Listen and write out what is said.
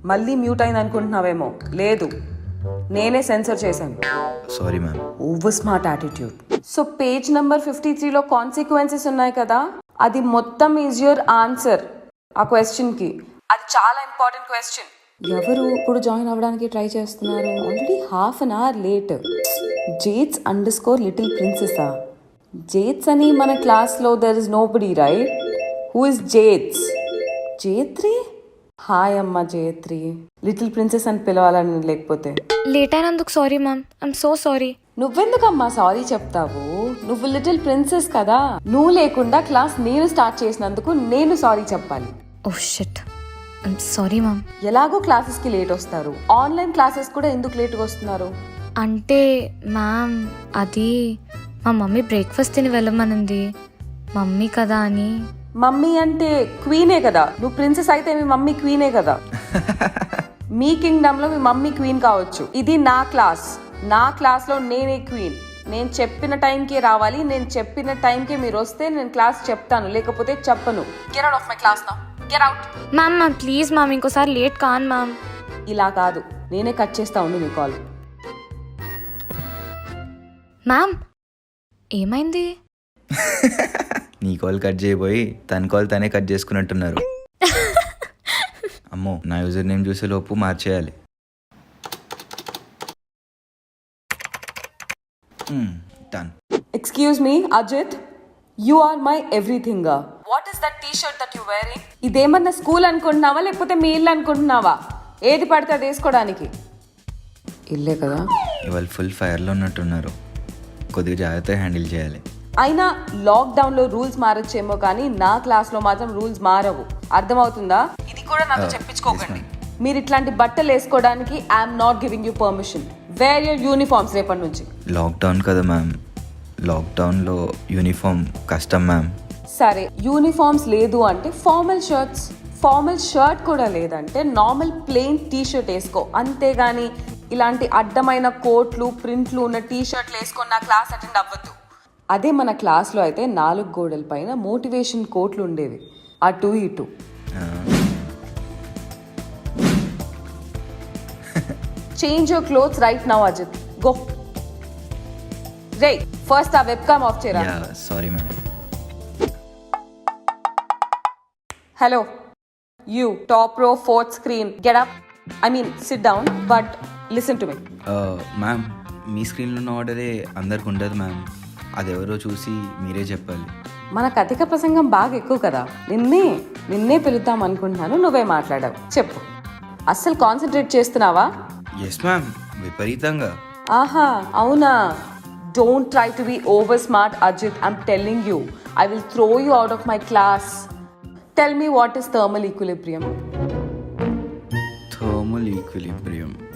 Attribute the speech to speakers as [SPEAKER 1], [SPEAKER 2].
[SPEAKER 1] మళ్ళీ మ్యూట్ అయింది అనుకుంటున్నావేమో. లేదు, నేనే సెన్సర్ చేశాను.
[SPEAKER 2] Sorry ma'am.
[SPEAKER 1] Over smart attitude. So page number 53లో కాన్సిక్వెన్సెస్ ఉన్నాయి కదా, అది మొత్తం ఈజ్ యువర్ ఆన్సర్ ఆ క్వశ్చన్కి. అది చాలా ఇంపార్టెంట్ క్వశ్చన్. ఎవరు ఇప్పుడు జాయిన్ అవ్వడానికి ట్రై చేస్తున్నారు? Already half an hour late. జేట్స్ _లిటిల్ ప్రిన్సెసా? జేట్స్ అని మన క్లాస్లో there is nobody, right? Who is జేట్స్? జేత్రి? హాయ్ అమ్మ జేత్రి. లిటిల్ ప్రిన్సెస్ అని పిలవాలని లేకపోతే.
[SPEAKER 3] లేట్ అయినందుకు sorry ma'am, I'm so sorry.
[SPEAKER 1] నువ్వెందుకమ్మా సారీ చెప్తావు? నువ్వు లిటిల్ ప్రిన్సెస్ కదా. నువ్వు లేకుండా క్లాస్ నేను స్టార్ట్ చేసినందుకు నేను సారీ చెప్పాలి.
[SPEAKER 3] Oh shit, I'm sorry ma'am.
[SPEAKER 1] ఎలాగో క్లాసెస్కి లేట్ వస్తారు, ఆన్లైన్ క్లాసెస్ కూడా ఎందుకు లేట్గా వస్తున్నారు?
[SPEAKER 3] అంటే మ్యామ్ అది మా మమ్మీ బ్రేక్ఫాస్ట్ తిని వెళ్ళమనింది, మమ్మీ కదా అని.
[SPEAKER 1] మమ్మీ అంటే క్వీనే కదా. నువ్వు ప్రిన్సెస్ అయితే మీ మమ్మీ క్వీనే కదా. మీ కింగ్డమ్ లో మీ మమ్మీ క్వీన్ కావచ్చు, ఇది నా క్లాస్. నా క్లాస్లో నేనే క్వీన్. నేను చెప్పిన టైంకే రావాలి. నేను చెప్పిన టైంకే మీరు వస్తే నేను క్లాస్ చెప్తాను, లేకపోతే చెప్పను. Get out of my class now. Get out.
[SPEAKER 3] Ma'am ma'am please ma'am, ఇంకోసారి లేట్ కాను మ్యామ్.
[SPEAKER 1] ఇలా కాదు, నేనే కట్ చేస్తా ఉండు నీ కాల్.
[SPEAKER 3] మ్యామ్ ఏమైంది?
[SPEAKER 2] నీ కాల్ కట్ చేయబోయి తన కాల్ తనే కట్ చేసుకున్నట్టున్నారు. అమ్మో, నా యూజర్ నేమ్ చూసే లోపు మార్చేయాలి. Done.
[SPEAKER 1] Excuse me Ajith, you are my everything. What is that T-shirt that you wearing? ఇదేమన్నా స్కూల్ అనుకుంటున్నావా లేకపోతే మీ ఇల్లు అనుకుంటున్నావా? ఏది పడితే అది వేసుకోవడానికి. ఇల్లే కదా.
[SPEAKER 2] ఇవాళ ఫుల్ ఫైర్లో ఉన్నట్టున్నారు, కొద్దిగా జాగ్రత్తగా హ్యాండిల్ చేయాలి.
[SPEAKER 1] అయినా లాక్డౌన్లో రూల్స్ మారొచ్చేమో కానీ నా క్లాస్లో మాత్రం రూల్స్ మారవు. అర్థమవుతుందా? ఇది కూడా నాతో చెప్పించుకోకండి. మీరు ఇట్లాంటి బట్టలు వేసుకోవడానికి I'm not giving you permission. Wear your uniforms రేపటి నుంచి.
[SPEAKER 2] లాక్డౌన్ కదా మ్యామ్, లాక్డౌన్లో యూనిఫామ్ కష్టం మ్యామ్.
[SPEAKER 1] సరే, యూనిఫామ్స్ లేదు అంటే ఫార్మల్ షర్ట్స్. ఫార్మల్ షర్ట్ కూడా లేదంటే నార్మల్ ప్లెయిన్ టీ-షర్ట్ వేసుకో, అంతేగాని ఇలాంటి అడ్డమైన కోట్లు ప్రింట్లు ఉన్న టీ-షర్ట్లు వేసుకొని నా క్లాస్ అటెండ్ అవ్వద్దు. అదే మన క్లాస్లో అయితే 4 గోడల పైన మోటివేషన్ కోట్లు ఉండేవి, అటు ఇటు. Change your clothes right now Ajith, go. రే ఫస్ట్ ఆ వెబ్కామ్ ఆఫ్ చేయరా.
[SPEAKER 2] Sorry ma'am.
[SPEAKER 1] Hello you, top row 4th screen, get up. I mean sit down, but listen to me.
[SPEAKER 2] Ma'am, మీ స్క్రీన్లో ఉన్న ఆర్డరే అందరికి ఉండదు మ్యామ్, అదెవరో చూసి మీరే చెప్పాలి.
[SPEAKER 1] మనకు అధిక ప్రసంగం బాగా ఎక్కువ కదా. నిన్నే పిలుద్దాం అనుకుంటున్నాను, నువ్వే మాట్లాడావు. చెప్పు, అస్సలు కాన్సన్ట్రేట్ చేస్తున్నావా?
[SPEAKER 2] ఎస్ మ్యామ్, విపరీతంగా.
[SPEAKER 1] ఆహా, అవునా? Don't try to be over smart Ajith. I'm telling you, I will throw you out of my class. Tell me what is thermal equilibrium?
[SPEAKER 2] Thermal equilibrium